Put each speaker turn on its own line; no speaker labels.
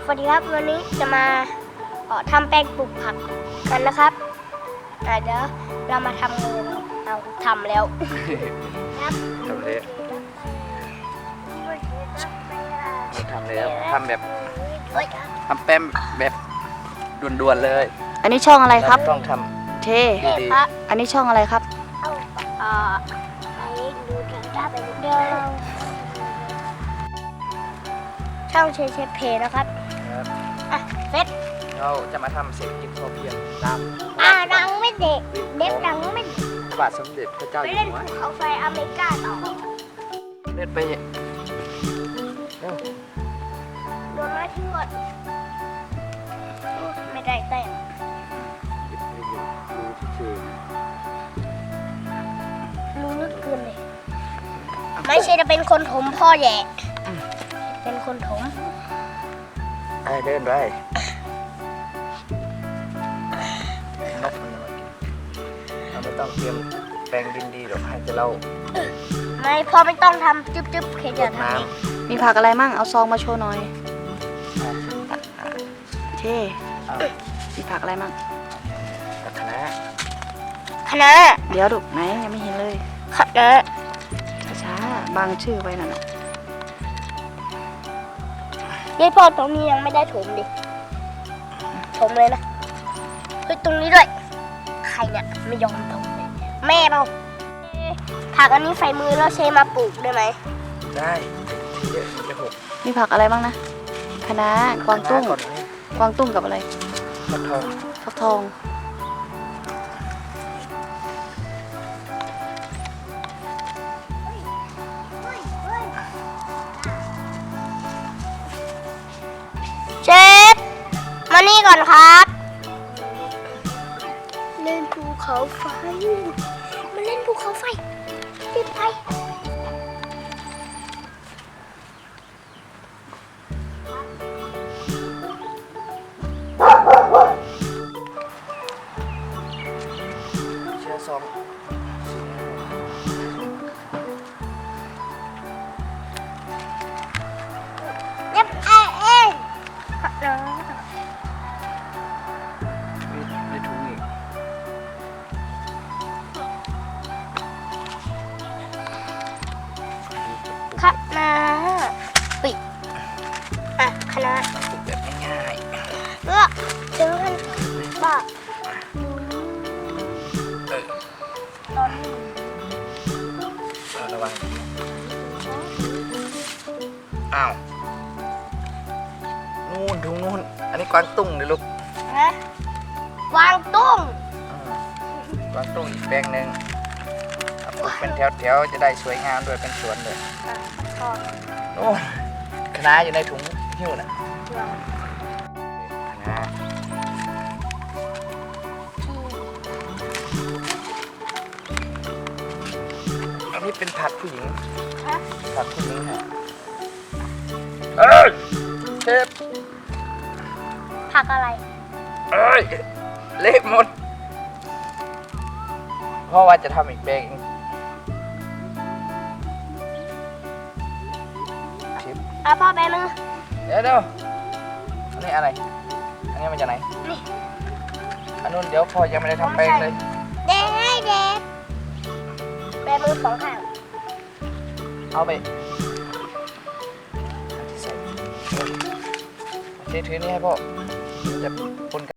สวัสดีครับวันนี้จะมาทำแป้งปลูกผักกันนะครับเดี๋ยวเรามาทำเลยเอาทำแล้วครับ
ทำเลยทำแล้วทำแบบทำแป้งแบบด่วนๆเลย
อันนี้ช่องอะไรครับ
ต้องท
ำเท
ดี
อันนี้ช่องอะไรครับ
ไปดูกันได้ไปเดิมช่องเชฟเพนะครับเฟส
เราจะมาทำเศรษฐกิจพอเพียงตาม
ดังไม่เด็กดังไม่
พระบาทสมเด็จพระเจ้าอยู่หัว
ไปเล่นภูเขาไฟอเมริกาต่อ
เล่นไป
โดนไม้ทิ้งหมดไม่ได้แต่รู้ลึกเกินเลยไม่ใช่จะเป็นคนถมพ่อแย่เป็นคนถม
เดินไปนกมันมากินเราไม่ต้องเตรียมแปลงดินดีหรอกให้จะเล่า
ไม่พ่อไม่ต้องทำจึ๊บๆแค่จะท
ำมีผักอะไรมั่งเอาซองมาโชว์หน่อยเท่มีผักอะไรมั่ง
คะน้า
เดี๋ยวดูไหนยังไม่เห็นเลย
คะน้า
ช้าๆบางชื่อไว้นั่น
ยายพ่อตรงนี้ยังไม่ได้ถมดิถมเลยนะเฮ้ยตรงนี้ด้วยใครเนี่ยไม่ยอมถมเลยแม่เราผักอันนี้ใส่มือแล้วเชมาปลูกได้ไหม
ได้ทีเยอะมันจะหก
มีผักอะไรบ้างนะคะน้ากวางตุ้งกับอะไรฟักทอง
เชฟมานี่ก่อนครับเล่นภูเขาไฟมาเล่นภูเขาไฟรีบไป
เชื่อซอง
เย็บเอง
ในถุงอีก
คะน้าปิดคะน้า
แบบง่าย
เลือกถึงกันบ้าตอนนี้
ระวังอ้าวนู่นถุงนู่นอันนี้กวางตุ้งเลยลูก
นะวางตุ้ง
กวางตุ้งอีกแปลงหนึ่งปลูกเป็นแถวๆจะได้สวยงามด้วยเป็นสวนเลยโอ้คะน้าอยู่ในถุงหิ้วนะคะน้าอันนี้เป็นผักผู้หญิงผักผู้หญิงฮะเชฟ
ผักอะไร
เละหมดเพราะว่าจะทำอีกแปลง
พ่อแบมือ
เดี๋ยวอันนี้อะไรอันนี้มาจากไหน
นี่
อันนู้นเดี๋ยวพ่อยังไม่ได้ทำแปลงเลย
เด็กแบมือสองข้าง
เอาไปถือนี้ให้พ่อจะปนกัน